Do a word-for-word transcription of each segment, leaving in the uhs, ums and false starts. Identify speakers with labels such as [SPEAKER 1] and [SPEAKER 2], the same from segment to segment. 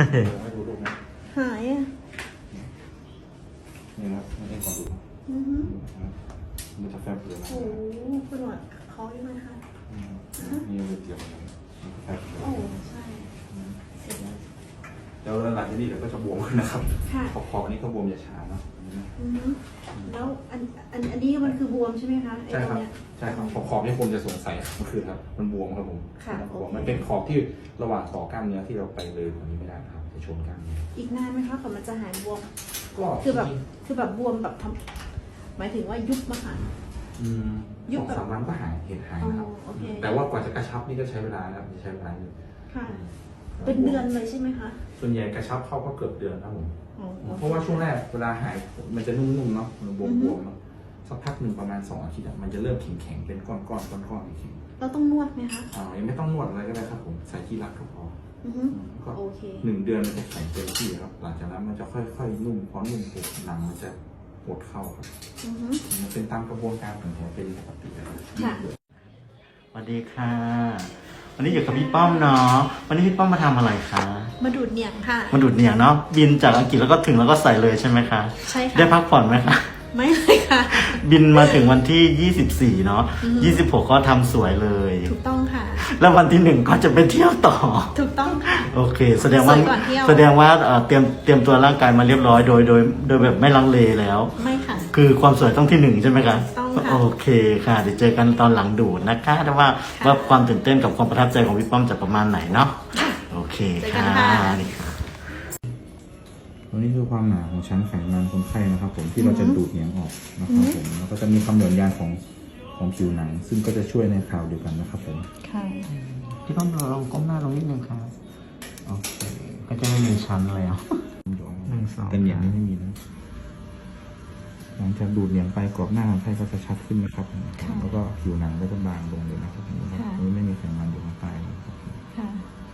[SPEAKER 1] ให้ดูรูปนะ
[SPEAKER 2] หายอ่ะ
[SPEAKER 1] นี่นะครับไม่ได้ขอดู
[SPEAKER 2] อือฮึ
[SPEAKER 1] มันจะแฟบเลยนะ
[SPEAKER 2] โอ้โหคุณหนวดเขาอยู่ไหมคะ
[SPEAKER 1] นี่มันเกี่ยวกันมันแฟบเลย
[SPEAKER 2] โอ้ใช่เสร็จแล้ว
[SPEAKER 1] แล้วหลังจากนี้เดี๋ยวก็จะบวมขึ้นนะครับ
[SPEAKER 2] ค่ะ
[SPEAKER 1] ขอบขอบนี้ก็บวมอย่าช้าเนาะ
[SPEAKER 2] อือฮึแล้วอันอันอันนี้มันคือบวมใช่ไหมคะไอ้
[SPEAKER 1] ใช่
[SPEAKER 2] ต
[SPEAKER 1] ค
[SPEAKER 2] ร
[SPEAKER 1] รับ
[SPEAKER 2] งเนี้ย
[SPEAKER 1] ใช่ครับขอบขอบนี่คนจะสงสัยมันคือครับมันบวมครับผม
[SPEAKER 2] ค่ะ
[SPEAKER 1] มันบวม
[SPEAKER 2] โอเค
[SPEAKER 1] มันเป็นขอบที่ระหว่างต่อกล้ามเนื้อที่เราไปเลยกว่านี้ไม่ได้ครับจะชนกล้ามเนื้อ
[SPEAKER 2] อีกนานไหมคะก่อนมันจะหายบวม
[SPEAKER 1] ก็
[SPEAKER 2] คือแบบคือแบบบวมแบบทำหมายถึงว่ายุบมาค่ะ
[SPEAKER 1] อืม
[SPEAKER 2] ยุ
[SPEAKER 1] ส
[SPEAKER 2] บ
[SPEAKER 1] อง
[SPEAKER 2] แบบ
[SPEAKER 1] สามวันก็หายเห็นหายนะครับ
[SPEAKER 2] อ๋อโอเค
[SPEAKER 1] แต่ว่ากว่าจะกระชับนี่ก็ใช้เวลานะครับจะใช้เวลาอยู่
[SPEAKER 2] ค่ะ เป็นเดือนเลยใช่ไหมคะ
[SPEAKER 1] ส่วนใหญ่กระชับเข้าก็เกือบเดือนครับผม
[SPEAKER 2] อ๋อ
[SPEAKER 1] เพราะว่าช่วงแรกเวลาหายมันจะนุ่มๆเนาะมันบ
[SPEAKER 2] อือฮึ
[SPEAKER 1] วมๆเนาะสักพักหนึ่งประมาณสองอาทิตย์อะมันจะเริ่มแข็งๆเป็นก้อนๆก้อนๆแข็ง
[SPEAKER 2] เราต้องนวดไหมคะ
[SPEAKER 1] ๆอ่ายังไม่ต้องนวดอะไรก็ได้ครับผมใส่ที่รักก็พอ
[SPEAKER 2] อือฮึ
[SPEAKER 1] ก็
[SPEAKER 2] โอเค
[SPEAKER 1] หนึ่งเดือนมันจะแข็งเต็มที่ครับหลังจากนั้นมันจะค่อยๆนุ่มพอนุ่มปุ๊บหนังมันจะปวดเข้าครับ
[SPEAKER 2] อือฮึ
[SPEAKER 1] มันเป็นตามกระบวนการของแผลเป็นปกติครับ
[SPEAKER 2] ค่ะ
[SPEAKER 3] สวัสดีค่ะ วันนี้อยู่กับพี่ป้อมเนาะ วันนี้พี่ป้อมมาทำอะไรคะ
[SPEAKER 2] มาดูดเหนียงค่ะ
[SPEAKER 3] มาดูดเหนียงเนาะ บินจากอังกฤษแล้วก็ถึงแล้วก็ใส่เลยใช่ไหมคะ
[SPEAKER 2] ใช่ค่ะ
[SPEAKER 3] ได้พักผ่อนไหมคะ
[SPEAKER 2] ไม่เลยค่ะ
[SPEAKER 3] บินมาถึงวันที่ยี่สิบสี่เนาะ
[SPEAKER 2] อือฮึ
[SPEAKER 3] ยี่สิบหกก็ทำสวยเลย
[SPEAKER 2] ถูกต้องค่ะ
[SPEAKER 3] แล้ววันที่หนึ่งก็จะไปเที่ยวต่อ
[SPEAKER 2] ถูกต้องค่ะ
[SPEAKER 3] โอเค แสดงว่า
[SPEAKER 2] สวยก่อนเที่ยว
[SPEAKER 3] แสดงว่าเอ่อเตรียมเตรียมตัวร่างกายมาเรียบร้อยโดยโดยโดยแบบไม่ลังเลแล้ว
[SPEAKER 2] ไม่ค่ะ
[SPEAKER 3] คือความสวยต้องที่หนึ่งใช่ไหมคะ
[SPEAKER 2] ต้องค่ะ
[SPEAKER 3] โอเคค่ะ เดี๋ยวเจอกันตอนหลังดูดนะคะแต่ว่า
[SPEAKER 2] ค่ะ
[SPEAKER 3] ว่าความตื่นเต้นกับความประทับใจของพี่ป้อมจะประมาณไหนเนาะ โอเค
[SPEAKER 2] เจอกั
[SPEAKER 3] ค่ะ
[SPEAKER 2] นค่ะ
[SPEAKER 3] นี่ค่ะ
[SPEAKER 1] ตัวนี้คือความหนาของชั้นไขมันคนไข้นะครับผมที่เราจะดูดเหนียงออกนะครับผมแล้วก็จะมีความหย่อนยานของของผิวหนัง ซึ่งก็จะช่วยในคราวเดียวกันนะครับผม
[SPEAKER 2] ค่ะ
[SPEAKER 3] พี่ป้อมเราลองก้มหน้าลงนิดนึงค่ะโอเค ก็จะไม่มีชั้นแล้ว หนึ่งสอง
[SPEAKER 1] แต่เหนียงนี่ไม่มีนะหลังจากดูดเหนียงไปกรอบหน้าคนไข้ก็จะชัดขึ้นนะครับแล้วก็ผิวหนังก็จะบางลงเลยนะครับนี่ไม่มีไขมันอยู่ข้างใต้นะครับ
[SPEAKER 2] ค่ะ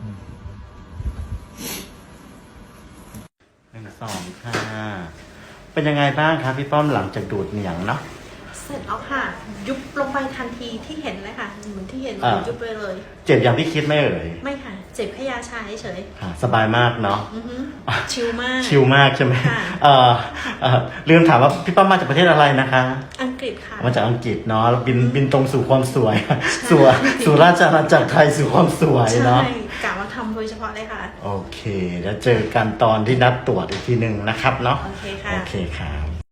[SPEAKER 3] หนึ่งสองค่ะ เป็นยังไงบ้างครับพี่ป้อมหลังจากดูดเหนียงเนาะ
[SPEAKER 2] เสร็จแล้วค่ะ ยุบลงไปทันทีที่เห็นเลยค่ะเหมือนที่เห็น
[SPEAKER 3] อ่า
[SPEAKER 2] ยุบไปเลย
[SPEAKER 3] เจ็บอย่างที่คิดไหม่เอ่ย
[SPEAKER 2] ไม่ค่ะ เจ็บแค่ยาชาเฉย
[SPEAKER 3] ค่ะสบายมากเนาะ
[SPEAKER 2] ๆอือฮึชิลมาก
[SPEAKER 3] ชิลมากใช่ไหม
[SPEAKER 2] ค่ะ
[SPEAKER 3] เอ่อเอ่อลืมถามว่าพี่ป้อมมาจากประเทศอะไรนะคะ
[SPEAKER 2] อังกฤษค่ะ
[SPEAKER 3] มาจากอังกฤษเนาะแล้วบินบินตรงสู่ความสวย สู่สู่ราชอาณาจักรไทยสู่ความสวย
[SPEAKER 2] ใช่
[SPEAKER 3] เนาะ
[SPEAKER 2] กะว่าทำโดยเฉพาะเลยค่ะ
[SPEAKER 3] โอเค แล้วเจอกันตอนที่นัดตรวจอีกทีหนึ่งนะครับเนาะ
[SPEAKER 2] โอเคค่ะ
[SPEAKER 3] โอเคค่ะ